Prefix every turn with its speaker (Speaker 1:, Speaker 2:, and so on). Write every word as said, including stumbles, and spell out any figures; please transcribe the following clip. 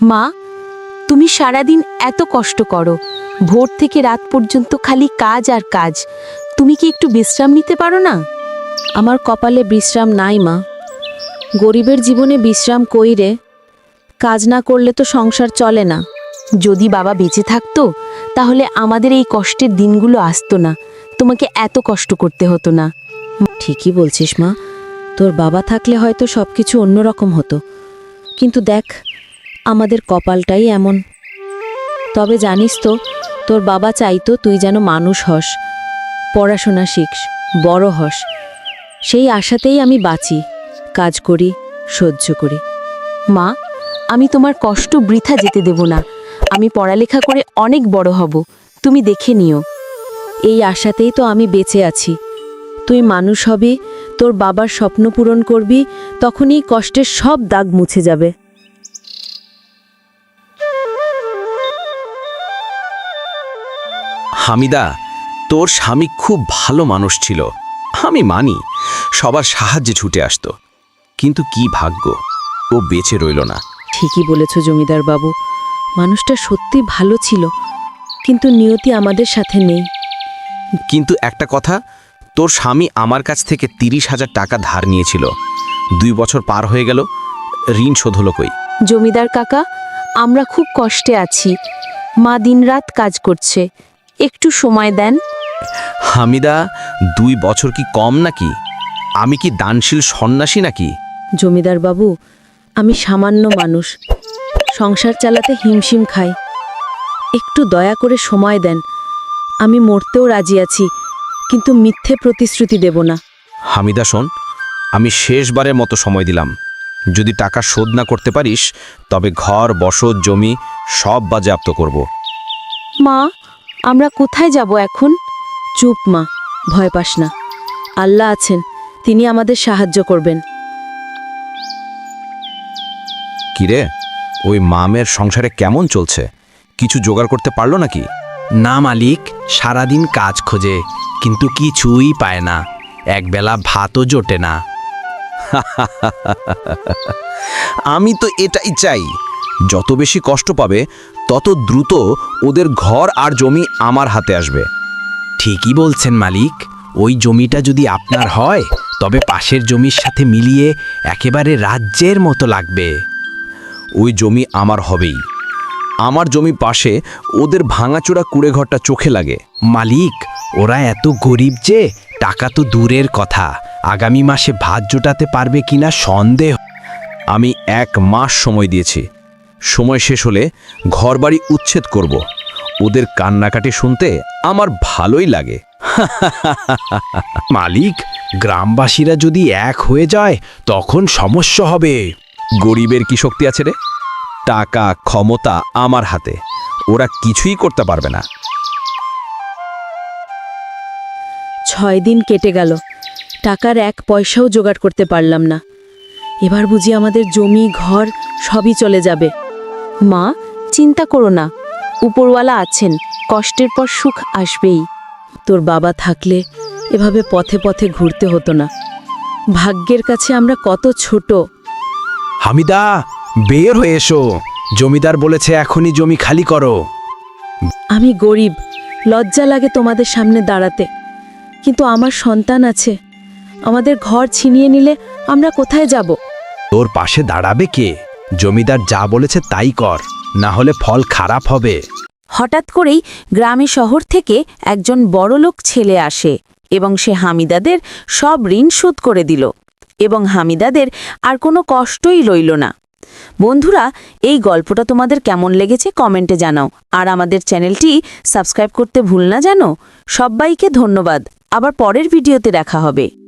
Speaker 1: মা, তুমি সারাদিন এত কষ্ট করো, ভোর থেকে রাত পর্যন্ত খালি কাজ আর কাজ। তুমি কি একটু বিশ্রাম নিতে পারো না?
Speaker 2: আমার কপালে বিশ্রাম নাই মা। গরিবের জীবনে বিশ্রাম কই রে? কাজ না করলে তো সংসার চলে না।
Speaker 1: যদি বাবা বেঁচে থাকতো তাহলে আমাদের এই কষ্টের দিনগুলো আসতো না, তোমাকে এত কষ্ট করতে হতো না।
Speaker 2: ঠিকই বলছিস মা, তোর বাবা থাকলে হয়তো সব কিছু অন্যরকম হতো, কিন্তু দেখ আমাদের কপালটাই এমন। তবে জানিস তো, তোর বাবা চাইতো তুই যেন মানুষ হস, পড়াশোনা শিখস, বড় হস। সেই আশাতেই আমি বাঁচি, কাজ করি, সহ্য করি।
Speaker 1: মা, আমি তোমার কষ্ট বৃথা যেতে দেব না। আমি পড়ালেখা করে অনেক বড় হব, তুমি দেখে নিও।
Speaker 2: এই আশাতেই তো আমি বেঁচে আছি। তুই মানুষ হবি, তোর বাবার স্বপ্ন পূরণ করবি, তখনই কষ্টের সব দাগ মুছে যাবে।
Speaker 3: হামিদা, তোর স্বামী খুব ভালো মানুষ ছিল, আমি মানি, সবার সাহায্যে ছুটে আসতো। কিন্তু কি ভাগ্য, ও বেঁচে রইল না।
Speaker 2: ঠিকই বলেছ জমিদার বাবু, মানুষটা সত্যি ভালো ছিল, কিন্তু নিয়তি আমাদের সাথে নেই।
Speaker 3: কিন্তু একটা কথা, তোর স্বামী আমার কাছ থেকে তিরিশ হাজার টাকা ধার নিয়েছিল। দুই বছর পার হয়ে গেল, ঋণ শোধ হলো কই?
Speaker 1: জমিদার কাকা, আমরা খুব কষ্টে আছি। মা দিনরাত কাজ করছে, একটু সময় দেন।
Speaker 3: হামিদা, দুই বছর কি কম নাকি? আমি কি দানশীল সন্ন্যাসী নাকি?
Speaker 2: জমিদার বাবু, আমি সামান্য মানুষ, সংসার চালাতে হিমশিম খাই। একটু দয়া করে সময় দেন। আমি মরতেও রাজি আছি, কিন্তু মিথ্যে প্রতিশ্রুতি দেব না।
Speaker 3: হামিদা শোন, আমি শেষবারের মতো সময় দিলাম। যদি টাকা শোধ না করতে পারিস, তবে ঘর, বসত, জমি সব বাজেয়াপ্ত করব।
Speaker 1: মা, আমরা কোথায় যাব এখন?
Speaker 2: চুপ মা, ভয় পাস না। আল্লাহ আছেন, তিনি আমাদের সাহায্য করবেন।
Speaker 3: কিরে, ওই মামের সংসারে কেমন চলছে? কিছু জোগাড় করতে পারলো নাকি?
Speaker 4: না মালিক, সারাদিন কাজ খোঁজে, কিন্তু কিছুই পায় না। একবেলা ভাতও জোটে না।
Speaker 3: আমি তো এটাই চাই, যত বেশি কষ্ট পাবে তত দ্রুত ওদের ঘর আর জমি আমার হাতে আসবে।
Speaker 4: ঠিকই বলছেন মালিক, ওই জমিটা যদি আপনার হয়, তবে পাশের জমির সাথে মিলিয়ে একেবারে রাজ্যের মতো লাগবে।
Speaker 3: ওই জমি আমার হবেই। আমার জমি পাশে, ওদের ভাঙাচোরা কুড়েঘরটা চোখে লাগে।
Speaker 4: মালিক, ওরা এত গরিব যে টাকা তো দূরের কথা, আগামী মাসে ভাত জোটাতে পারবে কিনা সন্দেহ।
Speaker 3: আমি এক মাস সময় দিয়েছি, সময় শেষ হলে ঘরবাড়ি উচ্ছেদ করব। ওদের কান্নাকাটি শুনতে আমার ভালোই লাগে।
Speaker 4: মালিক, গ্রামবাসীরা যদি এক হয়ে যায় তখন সমস্যা হবে।
Speaker 3: গরিবের কি শক্তি আছে রে? টাকা, ক্ষমতা আমার হাতে, ওরা কিছুই করতে পারবে না।
Speaker 2: ছয় দিন কেটে গেল, টাকার এক পয়সাও জোগাড় করতে পারলাম না। এবার বুঝি আমাদের জমি, ঘর সবই চলে যাবে।
Speaker 1: মা, চিন্তা করো না, উপরওয়ালা আছেন, কষ্টের পর সুখ আসবেই।
Speaker 2: তোর বাবা থাকলে এভাবে পথে পথে ঘুরতে হতো না। ভাগ্যের কাছে আমরা কত ছোট।
Speaker 4: হামিদা, বের হয়ে এসো, জমিদার বলেছে এখনই জমি খালি করো।
Speaker 2: আমি গরিব, লজ্জা লাগে তোমাদের সামনে দাঁড়াতে, কিন্তু আমার সন্তান আছে। আমাদের ঘর ছিনিয়ে নিলে আমরা কোথায় যাব?
Speaker 4: তোর পাশে দাঁড়াবে কে? জমিদার যা বলেছে তাই কর, না হলে ফল খারাপ হবে।
Speaker 1: হঠাৎ করেই গ্রামে শহর থেকে একজন বড়লোক ছেলে আসে এবং সে হামিদাদের সব ঋণ শোধ করে দিল এবং হামিদাদের আর কোনো কষ্টই রইল না। বন্ধুরা, এই গল্পটা তোমাদের কেমন লেগেছে কমেন্টে জানাও, আর আমাদের চ্যানেলটি সাবস্ক্রাইব করতে ভুল না জানো। সবাইকে ধন্যবাদ, আবার পরের ভিডিওতে দেখা হবে।